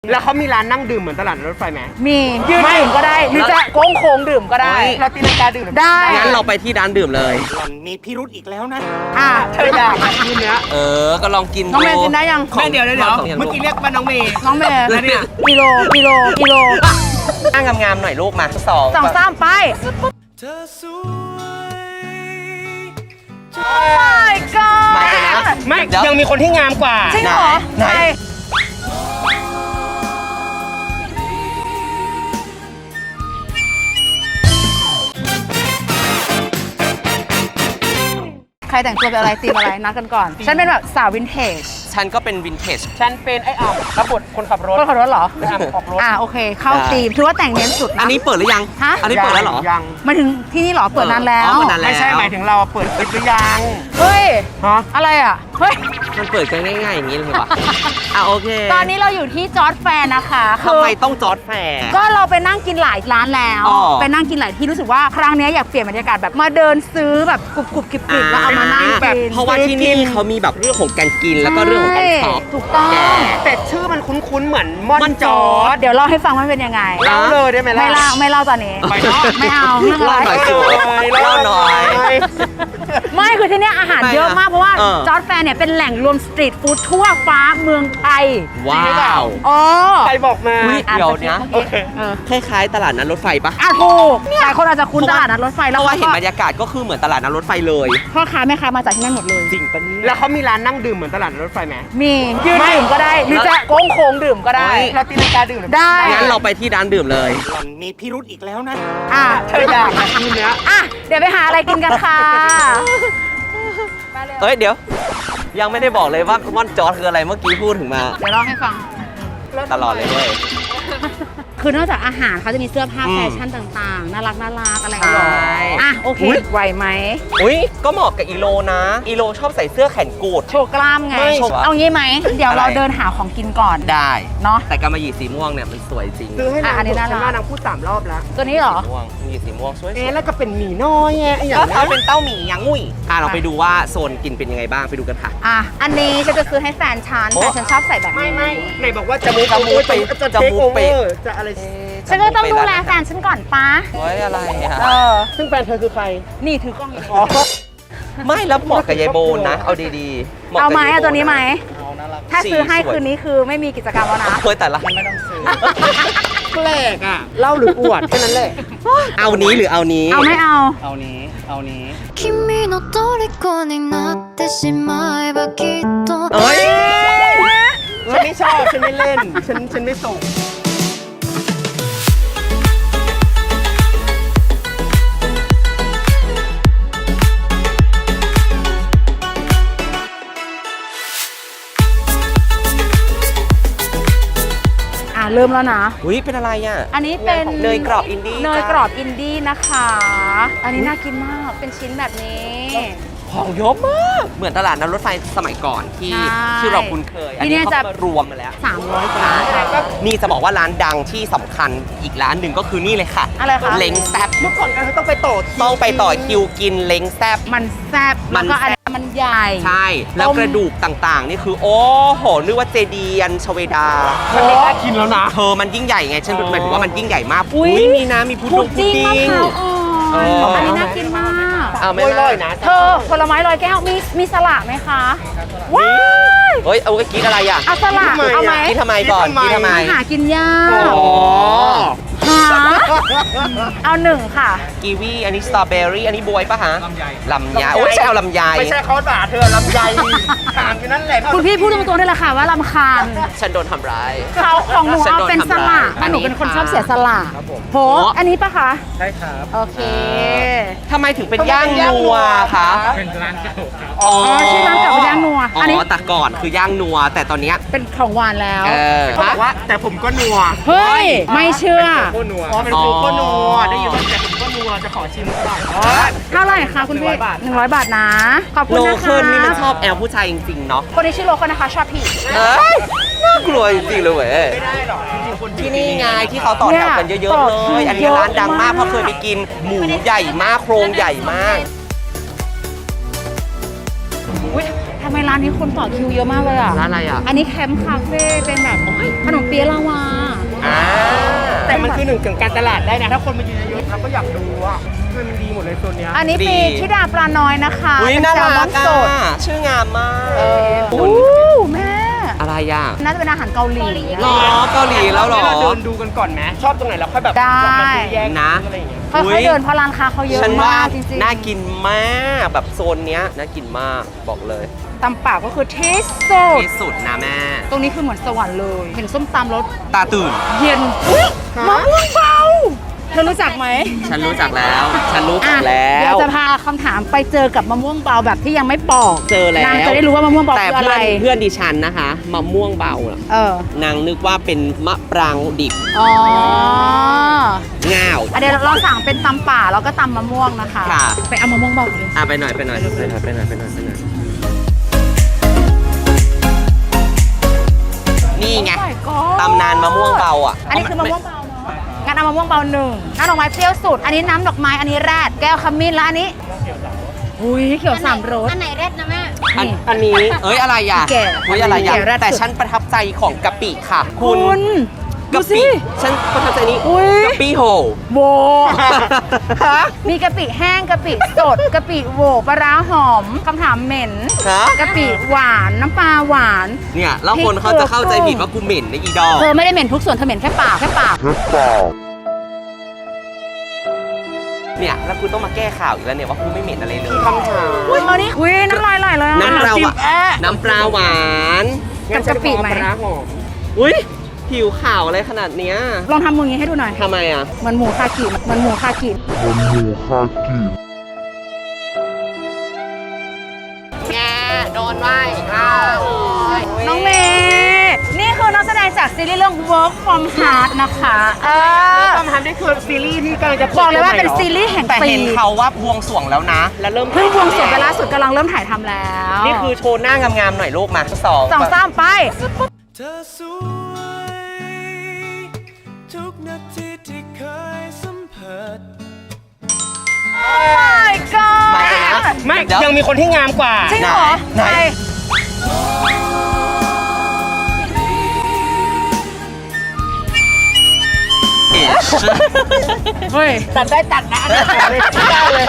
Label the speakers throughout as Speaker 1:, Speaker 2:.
Speaker 1: แล้วเขามีร้านนั่งดื่มเหมือนตลาดรถไฟไหม
Speaker 2: มียืนดื่มก็ได้หรือจะโค้งโค้งดื่มก็ได้
Speaker 1: เราตีลังกาดื่ม
Speaker 2: ได้
Speaker 3: งั้นเราไปที่ร้านดื่มเลย
Speaker 1: มีพิรุธอีกแล้วนะ
Speaker 2: เธออยาก
Speaker 1: กินเนื้อ
Speaker 3: ก็ลองกิน
Speaker 2: น้องเมย์กินได้ยัง
Speaker 1: แม่เดี๋ยวเมื่อกี้เรียกว่าน้องเมย์
Speaker 2: แล้วเนี่ยกิโล
Speaker 3: นั่งงามๆหน่อยลูกมา
Speaker 2: สองสามไป
Speaker 1: เธอสวย
Speaker 2: โอ้ my god
Speaker 3: มาเลยนะ
Speaker 1: ไม่ยังมีคนที่งามกว่า
Speaker 2: จริงเหรอไหนใครแต่งตัวเป็นอะไรตีมอะไรนัดกันก่อนฉันเป็นแบบสาววินเทจ
Speaker 3: ฉันก็เป็นวินเทจ
Speaker 1: ฉันเป็นไอ้อ่ำรับบทคนขับรถ
Speaker 2: เหรอ
Speaker 1: ไอ้อ่ำออกรถ
Speaker 2: โอเคเข้าตีมถือว่าแต่งเน้นสุดนะ
Speaker 3: อันนี้เปิดหรือยังอันนี้เปิดแล้วเหรอ
Speaker 1: ยัง
Speaker 2: มาถึงที่นี่เหรอเปิดนานแล้ว
Speaker 1: ไม่ใช่หมายถึงเราเปิดหรือยัง
Speaker 2: เฮ้ยอะไรอ่ะเฮ้ย
Speaker 3: มันเปิดกันง่ายๆอย่างนี้เลยว่ะโอเค
Speaker 2: ตอนนี้เราอยู่ที่จอร์จแฟร์นะคะ
Speaker 3: ทำไมต้องจอร์จแฟร์
Speaker 2: ก็เราไปนั่งกินหลายร้านแล้วไปนั่งกินหลายที่รู้สึกว่าครั้งนี้อยากเปลี่ยนบรรยากาศแบบมาเดินซื้อแบบกรุบกริบแล้วเอามานั่งแบบ
Speaker 3: เพราะว่าที่นี่เขามีแบบเรื่องของการกินแล้วก็เรื่องของการช็อป
Speaker 2: ถูกต้อง
Speaker 1: แต่ชื่อมันคุ้นๆเหมือนม่อนจอร์จ
Speaker 2: เดี๋ยวเล่าให้ฟังว่าเป็นยังไง
Speaker 1: เล่าเลยได้ไหมล่ะ
Speaker 2: ไม่เล่าตอนนี้ไม่เอาเรื่องอะไร
Speaker 3: เล่าหน่อย
Speaker 2: ไม่คือที่นี่อาหารเยอะมากเพราะว่าจอร์จแฟร์เนี่ยเป็นแหล่งรวมสตรีทฟู้ดทั่วฟ้าเมืองไทย
Speaker 3: ว้าว
Speaker 1: ใครบอกมา
Speaker 3: เดี๋ยวนะคล้ายๆตลาดนัดรถไฟปะ
Speaker 2: ถูกหลายคนอาจจะคุ้นตลาดนัดรถไฟ
Speaker 3: แล้วว่าเห็นบรรยากาศก็คือเหมือนตลาดนัดรถไฟเลย
Speaker 2: พ่อค้าแม่ค้ามาจากที่นั่นหมดเลย
Speaker 3: จริงปะเนี่ย
Speaker 1: แล้วเขามีร้านนั่งดื่มเหมือนตลาดนัดรถไฟไหม
Speaker 2: มียืนดื่มก็ได้หรือจะโค้งโค้งดื่มก็ได้
Speaker 1: เราตีลังกาดื่ม
Speaker 2: ได้
Speaker 3: งั้นเราไปที่ร้านดื่มเลย
Speaker 1: มีพิรุธอีกแล้วนะ
Speaker 2: เธออยาก
Speaker 1: กินเนื้อ
Speaker 2: เดี๋ยวไปหาอะไรกินกันค่ะ
Speaker 3: เดี๋ยวยังไม่ได้บอกเลยว่าม่อนจอร์จคืออะไรเมื่อกี้พูดถึงมา
Speaker 2: เดี๋ยวเล่าให้ฟัง
Speaker 3: ตลอดเลยด้วย
Speaker 2: คือนอกจากอาหารเขาจะมีเสื้อผ้าแฟชั่นต่างๆน่ารักอะไรอย่างเงี้ยโอเคไหวไหม
Speaker 3: ก็เหมาะกับอีโลนะอีโลชอบใส่เสื้อแขนกูด
Speaker 2: โชว์กล้ามไงเอางี้ไหมเดี๋ยวเราเดินหาของกินก่อน
Speaker 3: ได้
Speaker 2: เนาะ
Speaker 3: แต่กำมะหยี่สีม่วงเนี่ยมันสวยจริง
Speaker 1: ซื้อให้อันนี้น่ารักนางพูด3 รอบแล้ว
Speaker 2: ตัวนี้เหรอ
Speaker 3: หยี่สีม่วงสวย
Speaker 1: แล้วก็เป็นหมี่น้อยอย่าง
Speaker 3: นี้เขาเป็นเต้าหมี่ยังงุ่ยเราไปดูว่าโซนกินเป็นยังไงบ้างไปดูกันค่ะ
Speaker 2: อันนี้ฉันจะซื้อให้แฟนฉันชอบใส่แบบ
Speaker 1: ไม่ไหนบอกว่าจะมูไปจะเทคโอเวอร์จะอะไร
Speaker 2: ฉันก็ต้องดูแลแฟนฉันก่อนป้า
Speaker 3: อะไร
Speaker 1: ซึ่งแฟนเธอคือใคร
Speaker 2: นี่ถือกล้อง
Speaker 3: ไม่แล้วเหมาะกับยายโบนนะเอาดี
Speaker 2: ๆเอาไหมตัวนี้ไหมถ้าซื้อให้คืนนี้คือไม่มีกิจกรรมแล้วนะ
Speaker 3: แต่ละ
Speaker 1: ไม่ต้องซื้อแปลกเล่าหรืออวดแค่นั้นแหละ
Speaker 3: เอานี้หรือเอานี้
Speaker 2: ไม่เอา
Speaker 1: นี้
Speaker 4: 君の虜になってしまえばきっと
Speaker 1: ฉันไม่ชอบฉันไม่เล่นฉันไม่ส่ง
Speaker 2: เริ่มแล้วนะ
Speaker 3: เป็นอะไร
Speaker 2: อันนี้เป็น
Speaker 3: เนยกรอบอินดี้
Speaker 2: นะคะอันนี้น่ากินมากเป็นชิ้นแบบนี้
Speaker 3: ของเยอะมากเหมือนตลาดนัดรถไฟสมัยก่อนที่เราคุ้นเคยอันนี้เขามารวมมาแล้ว
Speaker 2: 300 กว่า
Speaker 3: นี่จะบอกว่าร้านดังที่สำคัญอีกร้านหนึ่งก็คือนี่เลยค่ะ
Speaker 2: อะไรคะ
Speaker 3: เล้งแซ่บ
Speaker 1: เมื่อก่อนกันต้องไปต่
Speaker 3: อคิวกินเล้งแซ่บ
Speaker 2: มันแซ่บแล้วก็อันมันใหญ่
Speaker 3: ใช่แล้วกระดูกต่างๆนี่คือโอ้โหนึกว่าเจดียันชเวดา
Speaker 1: มันไม่ได้กินแล้วนะ
Speaker 3: มันยิ่งใหญ่ไงฉันหมายถึงว่ามันยิ่งใหญ่มากมีนะมีพุดดิ้ง
Speaker 2: อันนี้น่ากินมาก
Speaker 1: ไม่ลอยนะ
Speaker 2: เธอผลไม้ลอยแก้วมีสละไหมคะว้าย
Speaker 3: เอากินอะไร
Speaker 2: เอาสละเอาไหม
Speaker 3: กินทำไมก่อนกินทำไม
Speaker 2: หากินยากเอา1ค่ะ
Speaker 3: กีวีอันนี้สตรอเบอรี่อันนี้บวยปะฮะลำไยใช่เอาลำไย
Speaker 1: ไม่ใช่เขาด่าเธอลำไยถามอยู่นั่นแหละ
Speaker 2: คุณพี่พูดตรงๆได้เลยค่ะว่าลำคาญ
Speaker 3: ฉันโดนทำร้าย
Speaker 2: เขาของหนูเอาเป็นสละหนูเป็นคนชอบเสียสละโหอันนี้ปะคะ
Speaker 1: ใช่ครับ
Speaker 2: โอเค
Speaker 3: ทำไมถึงเป็นย่างนัวคะ
Speaker 1: เป็นร้านเก่า
Speaker 2: ชื่อร้านเก่าเป็นย่างนัว
Speaker 3: อันนี้แต่ก่อนคือย่างนัวแต่ตอนนี้
Speaker 2: เป็นของหวานแล้ว
Speaker 1: เขาบอกว่าแต่ผมก็นัว
Speaker 2: เฮ้ยไม่เชื่อ
Speaker 1: เป็นโคโค่นัวได้ยินว่าแต่ผมก็นัวจะขอชิมก่อน
Speaker 2: เท่าไหร่คะคุณพี่100 บาทนะขอบคุณนะคะ
Speaker 3: โลเคิลนี่มันชอบแอลผู้ชายจริงๆเนาะ
Speaker 2: คนนี้ชื่อโลเคิลนะคะชอบพี่
Speaker 3: น่ากลัวจริงๆเลยเว้ย
Speaker 1: ไม่ได้หรอก
Speaker 3: ที่นี่ไงที่เขาต่อแถวกันเยอะๆเลยอันนี้ร้านดังมากเพราะเคยไปกินหมูใหญ่มากโครงใหญ่มาก
Speaker 2: ทำำไมร้านนี้คนต่อคิวเยอะมากเลยอ่ะ
Speaker 3: ร้านอะไรอ่ะ
Speaker 2: อันนี้แคมป์คาเฟ่เป็นแบบขนมเปี๊ยะลาวา
Speaker 1: แต่มันคือหนึ่งของการตลาดได้นะ ถ้าคนมายืนเยอะๆเราก็อยากดูอ่ะมันดีหมดเลยโซนเนี้ย
Speaker 2: อันนี้ปีธิดาปลาน้อยนะคะ
Speaker 3: อุ้ย
Speaker 2: เป็น
Speaker 3: น่า
Speaker 2: แซลม
Speaker 3: รั
Speaker 2: อก น
Speaker 3: อ่ะ
Speaker 2: สด
Speaker 3: ชื่องามมาก
Speaker 2: อู้แม่
Speaker 3: อะไรอ่ะ
Speaker 2: น่าจะเป็นอาหารเกาหลี
Speaker 3: หรอเกาหลีแล้วหรอ
Speaker 1: เราเดินดูกันก่อนไหมชอบตรงไหนเราค่อยแบบ
Speaker 2: ได้
Speaker 1: มาซื้อแยก
Speaker 3: นะ
Speaker 1: อะไรอย่างเงี้ย
Speaker 2: ค่อยๆเดินเพราะร้านค้าเขาเยอะ
Speaker 3: ฉันว่าม
Speaker 2: ากจริงๆ
Speaker 3: น่ากินมากแบบโซนเนี้ยน่ากินมากบอกเลย
Speaker 2: ตำป่าก็คือที่สุด
Speaker 3: ที่สุดนะแม่
Speaker 2: ตรงนี้คือเหมือนสวรรค์เลย เห็นส้มตำรส
Speaker 3: ตาตื่น
Speaker 2: เย็นอุ๊ยมะม่วงเบาเธอรู้จักไหม
Speaker 3: ฉันรู้จักแล้ว ฉันรู้จั
Speaker 2: อ่ะ
Speaker 3: กแล้
Speaker 2: เดี๋ยว วจะพาคำถามไปเจอกับมะม่วงเบาแบบที่ยังไม่ปอก
Speaker 3: เจอแล้ว
Speaker 2: นางจะได้รู้ว่ามะม่วงเบา
Speaker 3: แต่
Speaker 2: คืออะไร
Speaker 3: เพื่อนดิฉันนะคะมะม่วงเบาน่ะ
Speaker 2: เออ
Speaker 3: นางนึกว่าเป็นมะปรางดิบ
Speaker 2: อ๋อ
Speaker 3: ง่าว
Speaker 2: อ่ะเดี๋ยวเราสั่งเป็นตำป่าแล้วก็ตำมะม่วงนะคะ
Speaker 3: ค่ะ
Speaker 2: ไปเอามะม่วงเบาเลย
Speaker 3: ไปหน่อยไปหน่อยไปหน่อยไปหน่อยไปหน่อยไปหน่อยนี่ไง
Speaker 2: Oh my god
Speaker 3: ตำนานมะม่วงเบาอ่ะ
Speaker 2: อันนี้คือมะม่วงเบาเนาะงั้นเอามะม่วงเบาหนึ่งน้ำดอกไม้เปรี้ยวสุด อันนี้น้ำดอกไม้ อันนี้แรด แก้วขมิ้นแล้วอันนี้อุ้ยเขียวสามรส
Speaker 4: อันไหนเร็ดนะแม่
Speaker 1: อันนี้
Speaker 3: เอ้ยอะไรอ่ะ
Speaker 2: แก่
Speaker 3: เฮ้ยอะไรอ่ะ
Speaker 2: แก่แรดสุด
Speaker 3: แต่ฉันประทับใจของกะปิค่ะ คุณ
Speaker 2: ดู
Speaker 3: กะ
Speaker 2: สิ
Speaker 3: ปิฉันประทับใจนี้
Speaker 2: อุ๊ย
Speaker 3: กะปิโห
Speaker 2: โวมีกะปิแห้งกะปิสดกะปิโวปลาร้าหอมคำถามเหม็น
Speaker 3: ฮะ
Speaker 2: กะปิหวานน้ำปลาหวาน
Speaker 3: เนี่ยแล้วคนเขาจะเข้าใจผิดว่ากูเหม็นในอีดอก
Speaker 2: เธอไม่ได้เหม็นทุกส่วนเธอเหม็นแค่ปากแค่ปาก
Speaker 3: เนี่ยแล้วกูต้องมาแก้ข่าวอีกแล้วเนี่ยว่ากูไม่เหม็นอะไรเลย
Speaker 1: คำถาม
Speaker 2: อุ้ยเอานี่อุ้ยน้ำลายไหลเลยอะ
Speaker 3: น้ำปลาหวาน
Speaker 1: แอะ
Speaker 3: น้ำปลาหวาน
Speaker 2: กับกะปิไหม
Speaker 1: ปลาร้าหอม
Speaker 3: อุ้ยผิวขาวอะไรขนาดเนี้ย
Speaker 2: ลองทำมืออย่างนี้ให้ดูหน่อย
Speaker 3: ทำไมอ่ะ
Speaker 2: เหมันหมูคากิเหมันหมูคากิ
Speaker 3: แงโดนไว้อ้าว
Speaker 2: น้องเมย์นี่คือนักแสดงจากซีรีส์เรื่อง Work from Heart นะคะ
Speaker 1: ความทันนี่คือซีรีส์ที่กำลังจะ
Speaker 2: บอกเลยว่าเป็นซีรีส์แห่ง
Speaker 3: แต่
Speaker 2: ปี
Speaker 3: เห็นเขาว่าบวงสรวงแล้วนะ แล้วเริ่ม
Speaker 2: เพิ่งบวงสรวงไปล่าสุดกำลังเริ่มถ่ายทำแล้ว
Speaker 3: นี่คือโชว์หน้างามๆหน่อยลูกมาสอง
Speaker 2: สองสามไป
Speaker 5: เธอสวยทุกนาทีที่เคยสัมผัส
Speaker 2: my god
Speaker 3: มาเลยนะ
Speaker 1: ไม่
Speaker 3: เดี๋ยว
Speaker 1: ยังมีคนที่งามกว่า
Speaker 2: จริงเหรอ
Speaker 3: ไหน
Speaker 2: ใครเฮ้ย
Speaker 1: ตัดได้ตัดนะอันนี้ตัดเลยไม่ได้เลย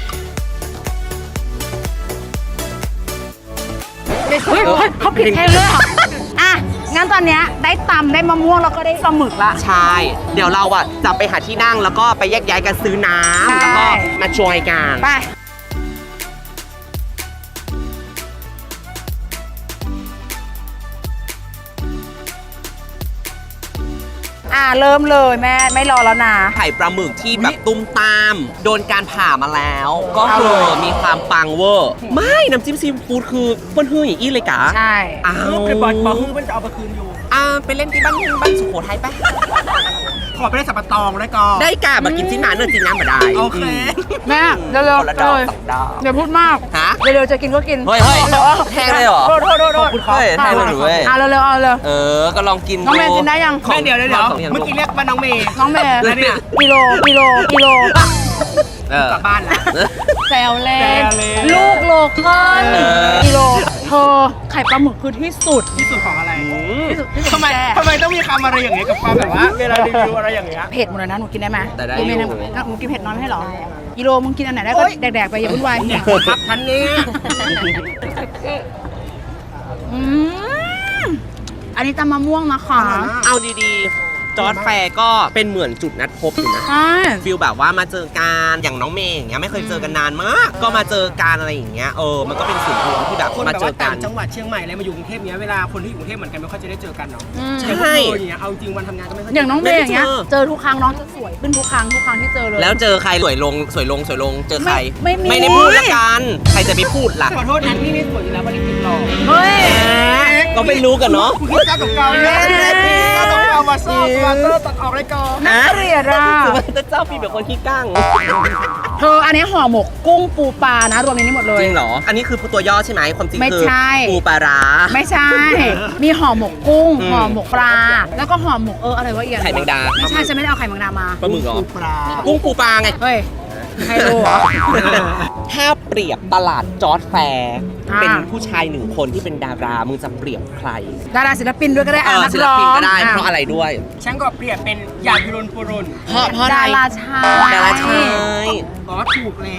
Speaker 2: เฮ้ยเขาผิดเพลงเลยเหรออ่ะ งั้นตอนเนี้ยได้ตำได้มะม่วงแล้วก็ได้ปลาหมึกละ
Speaker 3: ใช่ เดี๋ยวเราอ่ะจะไปหาที่นั่งแล้วก็ไปแยกย้ายกันซื้อน้ำ
Speaker 2: ใช่
Speaker 3: แล้วก็มาจอยกัน
Speaker 2: ไป เริ่มเลยแม่ไม่รอแล้วนะ
Speaker 3: ไข่ปลาหมึกที่แบบตุ้มตาม โดนการผ่ามาแล้ว ก็คือมีความปังเวอร์ ไม่น้ำจิ้มซีฟู้ดคือเปิ้ลฮืออย่างอี้เลยกะ
Speaker 2: ใช่
Speaker 3: อ้าว
Speaker 1: ลูกเป็นบอลคือมันจะเอาไปคืนอยู่
Speaker 3: ไปเล่นที่บ้านสุโขทัยปะ
Speaker 1: ขอไปได้สับปะตองได้ก่อน
Speaker 3: ได้กะมากินจิ้นหมาเนื้อจิ้นน้ำมาได้
Speaker 1: โอเค
Speaker 2: แม่เร็ว
Speaker 3: คนละ
Speaker 2: ๆ
Speaker 3: ดอก
Speaker 2: เลย
Speaker 3: สองดอก
Speaker 2: อย่าพูดมาก
Speaker 3: ฮะ
Speaker 2: เร็วๆจะกินก็กิน
Speaker 3: เฮ้ยแทงเลยเหรอ
Speaker 2: โทษโทษโทษโทษ
Speaker 3: เฮ้ยแทงเลยหรือเว้ย
Speaker 2: เร็วๆเอาเลย
Speaker 3: ก็ลองกิน
Speaker 2: น้องแมนกินได้ยัง
Speaker 3: ของ
Speaker 1: แม่เดี๋ยว
Speaker 3: ของย่าง
Speaker 1: เมื่อกี้เรียกว่าน้องเมย์
Speaker 2: น้องเมย์
Speaker 3: แล้วเนี่ย
Speaker 2: กิโล
Speaker 3: เออก
Speaker 1: ลับบ้านแล้ว
Speaker 2: แซวเล่
Speaker 1: แซ
Speaker 2: น
Speaker 1: วเล่น
Speaker 2: ลูกโลคอน
Speaker 3: เออ
Speaker 2: กิโลเธอไข่ปลาหมึกคือที่สุด
Speaker 1: ที่สุดของอะไร
Speaker 2: ที่สุดที่สุด
Speaker 1: ทำไม
Speaker 2: แซ่บ
Speaker 1: ทำไมต้องมีคำอะไรอย่างเงี้ยกับความแบบว่าเวลารีวิวอะไรอย่างเงี้ย
Speaker 2: เผ็ดหมดเลยนะหนูกินได้ไหม
Speaker 3: แต่ได้
Speaker 2: กินไม่
Speaker 3: อยู่
Speaker 2: หนูกินเผ็ดน้อยไม่ให้หรอกิโลมึงกินอันไหนได้ก็
Speaker 1: โอ๊ย
Speaker 2: แดกๆไปอย่าวุ่นวาย
Speaker 1: พักทันนี้
Speaker 2: อืมอันนี้ตำมะม่วงนะคะ
Speaker 3: เอาดีๆ จอร์ดแฟร์ก็เป็นเหมือนจุดนัดพบอยู่นะ
Speaker 2: ใช่
Speaker 3: ฟิลแบบว่ามาเจอกันอย่างน้องเมย์อย่างเงี้ยไม่เคยเจอกันนานมาก ก็มาเจอกันอะไรอย่างเงี้ยมันก็เป็นศูนย์รวมที่แบบ
Speaker 1: คน
Speaker 3: มา
Speaker 1: แบบ
Speaker 3: เจอ
Speaker 1: ว่า
Speaker 3: กั
Speaker 1: ต่าน งจังหวัดเชียงใหม่อะไรมาอยู่กรุงเทพเนี้ยเวลาคนที่อยู่กรุงเทพเหมือนกันไม่ค่อยจะได้เจอกันเนาะ
Speaker 2: อืม
Speaker 3: ใช่
Speaker 1: อย่างเงี้ยเอาจริงวันทำงานก็ไม่ค่อย
Speaker 2: อย่างน้องเมย์อย่างเงี้ย
Speaker 3: ไม่ได้เจอ
Speaker 2: เจอทุกครั้งน้องจะสวยขึ้นทุกครั้งที่เจอเลย
Speaker 3: แล้วเจอใครสวยลงเจอใคร
Speaker 2: ไม่มี
Speaker 3: ไม่ได้พูดละกันใครจะไปพูดล่ะ
Speaker 1: ขอโทษนะนี่ไม่สวยอยู่แล้ววันนี้ติดหล่อ
Speaker 2: เฮ้ย
Speaker 3: ก็ไม่รู้กันเนาะ
Speaker 1: คุณคิดเจ้าตกเกาเนี่ยเจ้าตกเกามาซ่อมมาซ่อมตัดออกเลยก่อน
Speaker 2: น่าเกลียดอ่ะ
Speaker 3: แต่เจ้าพี่แบบคนขี้ก้าง
Speaker 2: เธออันนี้ห่อหมกกุ้งปูปลานะรวมในนี้หมดเลย
Speaker 3: จริงเหรอ อันนี้คือตัวย่อใช่ไหมความจริง
Speaker 2: ไม่
Speaker 3: คือ
Speaker 2: ใช่
Speaker 3: ปูปลาร้า
Speaker 2: ไม่ใช่ มีห่อหมกกุ้ง
Speaker 3: อืม
Speaker 2: ห่อหมกปลา แล้วก็ห่อหมกอะไรวะเอียน
Speaker 3: ไข่แมงดา
Speaker 2: ไม่ใช่ฉันไม่ได้เอาไข่แมงดามา
Speaker 3: ปลาหมึกเหรอ
Speaker 1: ปลา
Speaker 3: กุ้งปูปลาไง
Speaker 2: เฮ้ยไฮโลเหรอ
Speaker 3: ถ้าเปรียบตลาดจอร์จแฟร์
Speaker 2: อ่า
Speaker 3: เป็นผู้ชายหนึ่งคนที่เป็นดารา มึงจะเปรียบใคร
Speaker 2: ดาราศิลปินด้วยก็ได้นัก
Speaker 3: ศิล
Speaker 2: ร้อง
Speaker 3: ปินก็ได้
Speaker 2: อ่
Speaker 3: เพราะอะไรด้วย
Speaker 1: ฉันก็เปรียบเป็นหยาดพิรุณปุรุน
Speaker 3: เพราะอะไร
Speaker 2: ดาราชาย
Speaker 3: ดาราชาย
Speaker 1: อ๋อถูกแล้ว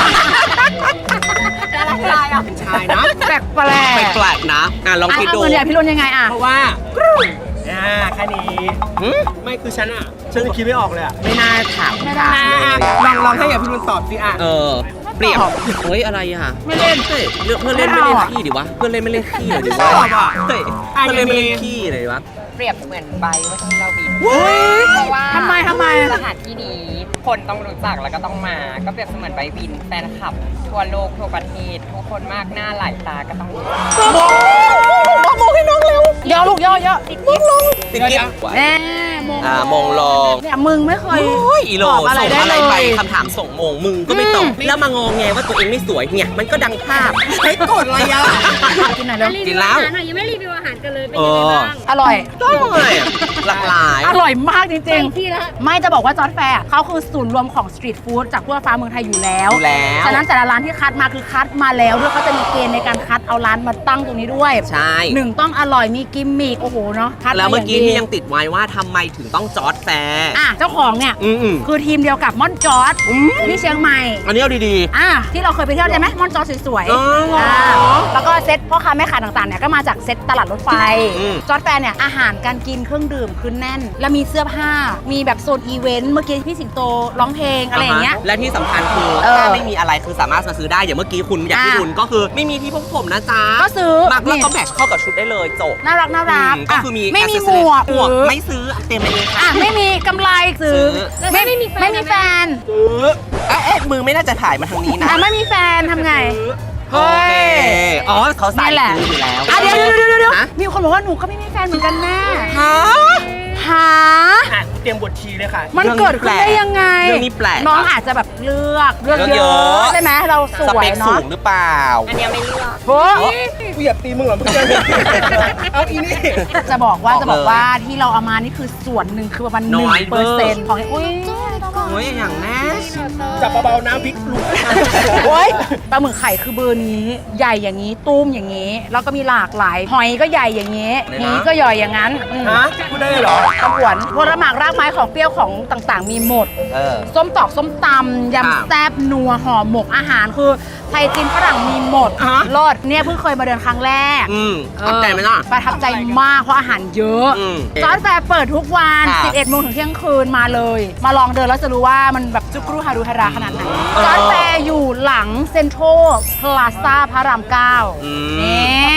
Speaker 2: ดาราชายอ่ะ
Speaker 1: เป็นชายนะ
Speaker 2: แปลกแปลก
Speaker 3: แปลกๆนะลองคิดดู
Speaker 2: เหมือนอย่างพี่รุนยังไงอ่ะ
Speaker 1: เพราะว่าแค่นี้ไม่คือฉันอ่ะฉันคิดไม่ออกเลยอ่ะ
Speaker 3: ไม่น่าถาม
Speaker 2: ไม่ได้
Speaker 1: ลองให้หยาดพิรุณตอบสิอ่ะ
Speaker 3: เปรียบเฮ้ยอะไรอ่ะ
Speaker 2: ไม่เล่น
Speaker 3: เฮ้ยเพื่อนเล่นไม่เล่นขี้ดิวะ เพื่อนเล่นไม่เล่นขี้เลยดิวะ
Speaker 1: ชอบอ่ะ
Speaker 3: เฮ้ยเพื่อนเล่นไม่เล่นขี้เลยวะ
Speaker 6: เปรียบเหมือนใบว่าที่เราบิน
Speaker 2: เฮ้ย
Speaker 6: เพราะว่า
Speaker 2: ทำไม
Speaker 6: สถานที่นี้คนต้องรู้จักแล้วก็ต้องมา ก็เปรียบเสมือนใบบินแฟนคลับ ทั่วโลกทั่วประเทศ ทุกคนมากหน้าหลายตาก็ต้องรู้
Speaker 3: มองให้น้องเร็ว
Speaker 2: ย่อลูกย่อติดกิ๊บ
Speaker 3: ติดกิ๊บ
Speaker 2: แน่มง
Speaker 3: มงลง
Speaker 2: เนี่ยมึงไม่เคย
Speaker 3: โอ้ยอีโล
Speaker 2: ตอบอะไร
Speaker 3: ส่ง
Speaker 2: ได้
Speaker 3: อะไร
Speaker 2: เล
Speaker 3: ไป
Speaker 2: ย
Speaker 3: คำถามส่งมงมึงก็ไม่ตอบแล้วมางงแงว่าตัวเองไม่สวยเนี่ยมันก็ดังภาพ
Speaker 1: ใช้กดอะไรอ่ะ
Speaker 2: กินหน่อยเร็ว
Speaker 3: กินแล้ว
Speaker 7: ยังไม่รีวิวอาหารกันเลยเป็นยังไงบ้าง
Speaker 2: อร่อย
Speaker 3: ก็เลยหลากหลาย
Speaker 2: อร่อยมากจริง
Speaker 7: ที่ละ
Speaker 2: ๆ ไม่จะบอกว่าจอร์จแฟร์เขาคือศูนย์รวมของสตรีทฟู้ดจากทั่วฟ้าเมืองไทยอยู่แล้ว
Speaker 3: อยู่แล้ว
Speaker 2: ฉะนั้นแต่ละร้านที่คัดมาคือคัดมาแล้วด้วยเขาจะมีเกณฑ์ในการคัดเอาร้านมาตั้งตรงนี้ด้วย
Speaker 3: ใช่
Speaker 2: หนึ่งต้องอร่อยมีกิมมิคโอ้โหเนาะคัด
Speaker 3: แล้วเมื่อกี้
Speaker 2: า
Speaker 3: ที่
Speaker 2: ดี
Speaker 3: ยังติดไว้ว่าทำไมถึงต้องจอร์จแฟร์
Speaker 2: อ่ะเจ้าของเนี่ย
Speaker 3: อืม
Speaker 2: คือทีมเดียวกับม่อนจอร์จที่เชียงใหม่
Speaker 3: อันนี้เอาดี
Speaker 2: อ่ะที่เราเคยไปเที่ยวใช่ไหมม่อนจอสวย
Speaker 3: อ๋อเหรอ
Speaker 2: แล้วก็เซ็ตพ่อค้าแม่ค้าต่างๆเนี่ยก็มาจากเซ็ตตลาดรถไฟ
Speaker 3: อืม
Speaker 2: จอร์จแฟร์เนี่ยอาหารการกินเครื่องดื่มคือแน่น แล้วมีเสื้อผ้ามีแบบโซนอีเวนต์เมื่อกี้พี่สิงโตร้องเพลงอะไรอย่างเงี้ย
Speaker 3: และที่สำคัญคือ
Speaker 2: เออ
Speaker 3: ถ้าไม่มีอะไรคือสามารถมาซื้อได้อย่างเมื่อกี้คุณอยากที่
Speaker 2: อ่ะ
Speaker 3: คุณก็คือไม่มีที่พกผมนะจ๊ะ
Speaker 2: ก็ซื้อ
Speaker 3: มักแล้ว
Speaker 2: นี่
Speaker 3: ก็แมทช์เข้ากับชุดได้เลยจบ
Speaker 2: น่ารัก
Speaker 3: ก็คือมี
Speaker 2: ไม่มีหม
Speaker 3: accessory
Speaker 2: วก
Speaker 3: หมวก
Speaker 2: หรือ
Speaker 3: ไม่ซื้อเต็มไปเลยค่ะ
Speaker 2: อ่ะไม่มีกำไรซื้อ
Speaker 7: แล้วถ้าไม่มีแฟน
Speaker 2: ไม่มีแฟน
Speaker 3: มือไม่น่าจะถ่ายมาทางนี้นะ
Speaker 2: อ่ะไม่มีแฟนทำไง
Speaker 3: โอเคอ๋อเขาใส่
Speaker 2: นี่แหละ
Speaker 3: ซื้ออยู่แล้ว
Speaker 2: อ่ะเดี๋ยว
Speaker 3: ฮะ
Speaker 2: มีคนบอกว่าหนูก็ไม่มีแฟนเหมือนกันแม่
Speaker 3: ฮะ
Speaker 2: หา
Speaker 1: อ่ะเตรียมบทชีเลยค่ะ
Speaker 2: มันเกิดขึ้นได้ยังไง
Speaker 3: เรื่องนี้แปลก
Speaker 2: น้องอาจจะแบบเลือก
Speaker 3: เลือก
Speaker 2: เย
Speaker 3: เย
Speaker 2: อะ
Speaker 3: อะ
Speaker 2: ใช่ไหมเราส
Speaker 3: ส
Speaker 2: ว
Speaker 3: เป
Speaker 2: ย
Speaker 3: คสู
Speaker 2: เนาะ
Speaker 3: งหรือเปล่า
Speaker 6: อันเนี้ยไม่เลือก
Speaker 2: โอ้
Speaker 1: กูอยากตีมึงเหรอเพื่อนเอาอีนี่
Speaker 2: จะบอกว่า
Speaker 3: บอกเลย
Speaker 2: ที่เราเอามานี่คือส่วนหนึ่งคือประมาณ
Speaker 3: น้อยเวอร์
Speaker 2: 1%ของอุ้ย
Speaker 3: โอ้ยอย่างแน่
Speaker 1: จับเบาๆน้ำพริกลุก
Speaker 2: โอ้ยปลาหมึกไข่คือเบอร์นี้ใหญ่อย่างนี้ตุ้มอย่างนี้ แล้วก็มีหลากหลายหอยก็ใหญ่อย่างนี้นี้ก็ใหญ่อย่างนั้น
Speaker 1: ฮะพูดได้เลยเหรอ
Speaker 2: ตะหวนผลหมากรากไม้ของเปรี้ยวของต่างๆ มีหมด ส้มตอกส้มตำยำแซ่บนัวห่อหมกอาหารคือไทยจีนฝรั่งมีหมด
Speaker 1: อ่ะ
Speaker 2: รอดเนี่ยเพิ่งเคยมาเดินครั้งแรก
Speaker 3: ตั้งใจไหมล่ะ
Speaker 2: ประทับใจมากเพราะอาหารเยอะ
Speaker 3: อืม
Speaker 2: จอร์จแฟร์เปิดทุกวัน
Speaker 3: ค่ะ
Speaker 2: 11 โมงถึงเที่ยงคืนมาเลย มาลองเดินแล้วจะรู้ว่ามันแบบจุกรูฮารุฮาราขนาดไหนจอร์จแฟร์อยู่หลังเซ็นทรัลพลาซ่าพระราม9นี่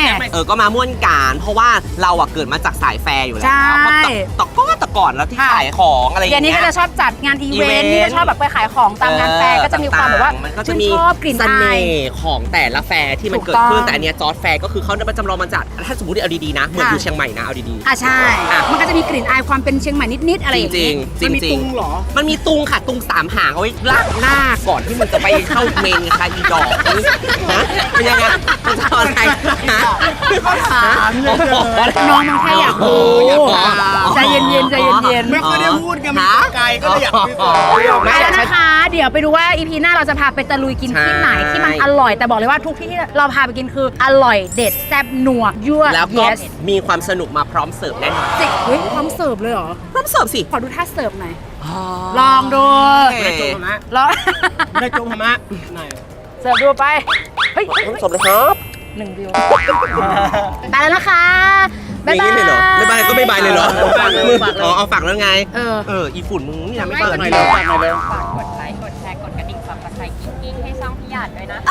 Speaker 3: ก็มาม่วนการเพราะว่าเราอะเกิดมาจากสายแฟร์อยู่แล้ว
Speaker 2: ใช่
Speaker 3: เพราะแต่ก่อนแล้วที่
Speaker 2: ค่ะ
Speaker 3: ขายของอะไรอ
Speaker 2: เดี๋ย
Speaker 3: ย่าว ง
Speaker 2: นี้
Speaker 3: เงี้
Speaker 2: ก็
Speaker 3: ย
Speaker 2: จะชอบจัดงานอีเวนต์
Speaker 3: อีเวนต์
Speaker 2: นี่ก็ชอบแบบไปขายของตามงานแฟร์ก็จะมีความแบบว่า
Speaker 3: มันก็จะ
Speaker 2: ชื่น
Speaker 3: มี
Speaker 2: ชอบกลิ่น
Speaker 3: เส
Speaker 2: อา
Speaker 3: น่
Speaker 2: ย
Speaker 3: ห์ของแต่ละแฟร์ที่มัน
Speaker 2: ถูก
Speaker 3: เกิดขึ้น
Speaker 2: ต้อง
Speaker 3: แต่อันเนี้ยจอร์จแฟร์ก็คือเขาได้มาจำลองมาจากถ้าสมมติเอาดีๆนะเหมือน
Speaker 2: ค่ะ
Speaker 3: อยู่เชียงใหม่นะเอาดี
Speaker 2: อ่ะใช่
Speaker 3: อ่ะ
Speaker 2: มันก็จะมีกลิ่นอายความเป็นเชียงใหม่นิด ๆ อะไร
Speaker 3: ๆ
Speaker 2: อย่าง
Speaker 3: จริ
Speaker 2: นี้
Speaker 3: งๆจ
Speaker 1: มันมี
Speaker 3: ริ
Speaker 1: ตุ
Speaker 3: ง
Speaker 1: งเหรอ
Speaker 3: ๆมันมีตุงค่ะตุง3 หางเอาไว้ลากหน้าก่อนที่มันจะไปเข้าเมนค่ะอีดอกนะเป็นยังไงมันจะเอาอะไรฮะ
Speaker 1: ถามเลยเธอ
Speaker 2: น้องมันแค่อยากรู้ ใจเย็นๆใจเย็น
Speaker 1: ไม่ค่อยได้พูดกันมันไกลก็เลยอยากคุยต่อ
Speaker 2: ๆไปแล้วนะคะ เดี๋ยวไปดูว่าอีพีหน้าเราจะพาไปตะลุยกินที่ไหนที่มันอร่อย แต่บอกเลยว่าทุกที่ที่เราพาไปกินคืออร่อยเด็ดแซ่บนัวยั่ว
Speaker 3: แล้วก็
Speaker 2: yes
Speaker 3: มีความสนุกมาพร้อมเสิร์ฟแน่นอน
Speaker 2: สิเฮ้ยพร้อมเสิร์ฟเลยเหรอ
Speaker 3: พร้อมเสิร์ฟสิ
Speaker 2: ขอดูท่าเสิร์ฟหน่อยลองดู
Speaker 1: ไม่ได้โจมธรรมะ
Speaker 2: ลอง
Speaker 1: ไม่ได้โจมธรรมะไหน
Speaker 2: เสิร์ฟดูไปเฮ้ย
Speaker 3: พร้อมเสิร์ฟเลยครับ
Speaker 2: 1 วิวไปแล้วนะคะ
Speaker 3: อ
Speaker 2: บ๊าย
Speaker 3: ย่าง
Speaker 2: บาย
Speaker 3: นี้เลยเหรอไม่บายก็ไม่บายเลยเหรอ
Speaker 1: ฝากเลย
Speaker 3: มึง
Speaker 1: ฝากเลย
Speaker 3: อ๋อเอาฝากแล้วไง
Speaker 2: เออ
Speaker 3: อีฝุ่นมึงนี่ทำไม่
Speaker 1: ฝาก
Speaker 3: เปิด
Speaker 1: หน่อยเร็วฝากหน่อยเร็ว
Speaker 6: ฝากกดไลค์ กดแชร์ กดกระดิ่งซับสไครต์กิ๊งๆให้ช่องพี่หยาดด้วยนะ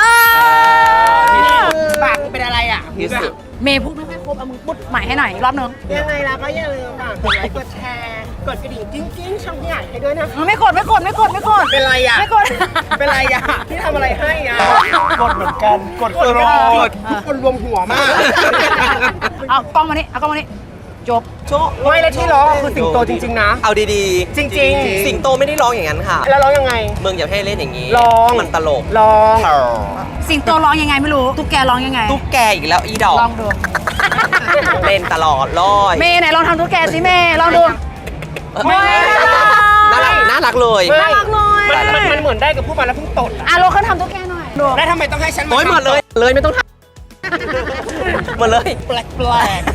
Speaker 1: ปากมึงเป็นอะไรอ่ะ
Speaker 3: ที่สุด
Speaker 2: เมย์พูดไม่ค่อยครบเอามึงพูดใหม่ให้หน่อยอีกรอบนึง
Speaker 1: ยังไงล่ะก็อย่าลืมฝากกดไลค์กดแชร์กดกระดิ่งกิ้งๆช่องพี่ใหญ่ให้ด้วยนะ
Speaker 2: ไม่กดไม่กดไม่กดไม่กด
Speaker 1: เป็นไรอ่ะ
Speaker 2: ไม่กด
Speaker 1: เป็นไรอ่ะที่ทำอะไรให้อ่ะกดเหมือนกันกดตลอดทุกคนรวมหัวมาก
Speaker 2: เอากล้องมานี่เอากล้องมานี่จบ
Speaker 1: ไม่แล้วที่ร้องคือสิงโตจริงๆนะ
Speaker 3: เอาดี
Speaker 1: จริงๆ
Speaker 3: สิงโตไม่ได้ร้องอย่างนั้นค่ะ
Speaker 1: แล้วร้องยังไง
Speaker 3: มึงอย่าให้เล่นอย่างนี้
Speaker 1: ร้อง
Speaker 3: มันตลก
Speaker 1: ร้อง
Speaker 2: สิงโตร้องยังไงไม่รู้ตุ๊กแกร้องยังไง
Speaker 3: ตุ๊กแกอีกแล้วอีดอก
Speaker 2: ลองดู
Speaker 3: เล่นตลอดเลย
Speaker 2: เมย์ไหนลองทำตุ๊กแกสิเมย์ลองดู
Speaker 3: น่ารักน่ารักเลย
Speaker 2: น่ารักเลย
Speaker 1: มันเหมือนได้กับผู้มาแล้วเพิ่งตดอะ
Speaker 2: อ่ะโลเคทำตุ๊กแกหน่อยดู
Speaker 1: แล้วทำไมต้องให้ฉันมา
Speaker 3: โอ้ยหมดเลย เลยไม่ต้องทำหมดเลย
Speaker 1: แปลกๆ